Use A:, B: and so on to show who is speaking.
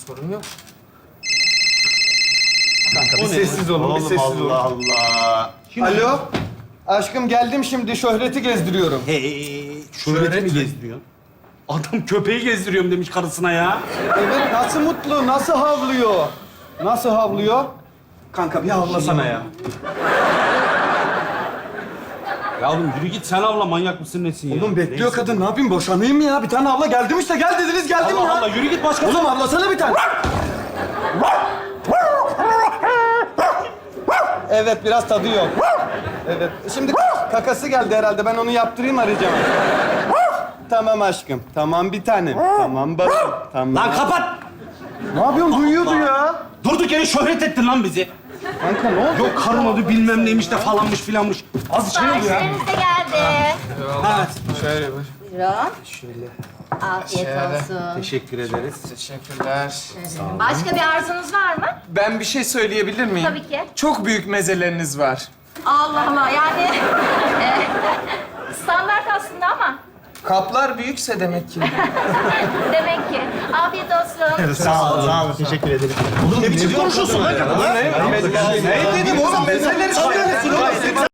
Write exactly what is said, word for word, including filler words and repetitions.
A: Sorun yok.
B: Kanka bir sessiz olun, bir sessiz olun.
C: Allah Allah.
B: Alo. Aşkım geldim şimdi. Şöhreti gezdiriyorum.
C: Hey, şöhreti mi gezdiriyorsun? Adam köpeği gezdiriyorum demiş karısına ya.
B: Evet, nasıl mutlu, nasıl havlıyor? Nasıl havlıyor?
C: Kanka bir havlasana ya. Ya oğlum yürü git sen havla, manyak mısın nesin ya?
B: Oğlum bekliyor
C: Neyse.
B: kadın. Ne yapayım? Boşanayım mı ya? Bir tane abla geldim işte. Gel dediniz, geldim
C: Allah
B: ya.
C: Allah yürü git başka.
B: Oğlum ablasana bir tane. Evet, biraz tadı yok. Evet. Şimdi kakası geldi herhalde. Ben onu yaptırayım, arayacağım. Tamam aşkım. Tamam bir tanem. Tamam bakın. Tamam.
C: Lan kapat!
B: Ne yapıyorsun? Duyuyordu ya.
C: Durduk yere şöhret ettin lan bizi.
B: Kanka ne oldu?
C: Yok karın adı bilmem neymiş de falanmış filanmış. Az şey oldu ya.
D: Siparişleriniz de geldi.
C: Evet.
A: Şöyle buyur.
D: Buyurun.
A: Şöyle.
D: Afiyet
A: Şöyle.
D: olsun.
C: Teşekkür ederiz.
A: Teşekkürler.
D: Başka bir arzunuz var mı?
A: Ben bir şey söyleyebilir miyim?
D: Tabii ki.
A: Çok büyük mezeleriniz var.
D: Allah Allah yani e, standart aslında ama
A: Kaplar büyükse demek ki.
D: demek ki. Afiyet olsun.
C: Sağ ol, sağ ol. Teşekkür ederim. Oğlum ne biçim konuşuyorsun lan kadın?
B: Ne dedim oğlum? Mezeleri söyle.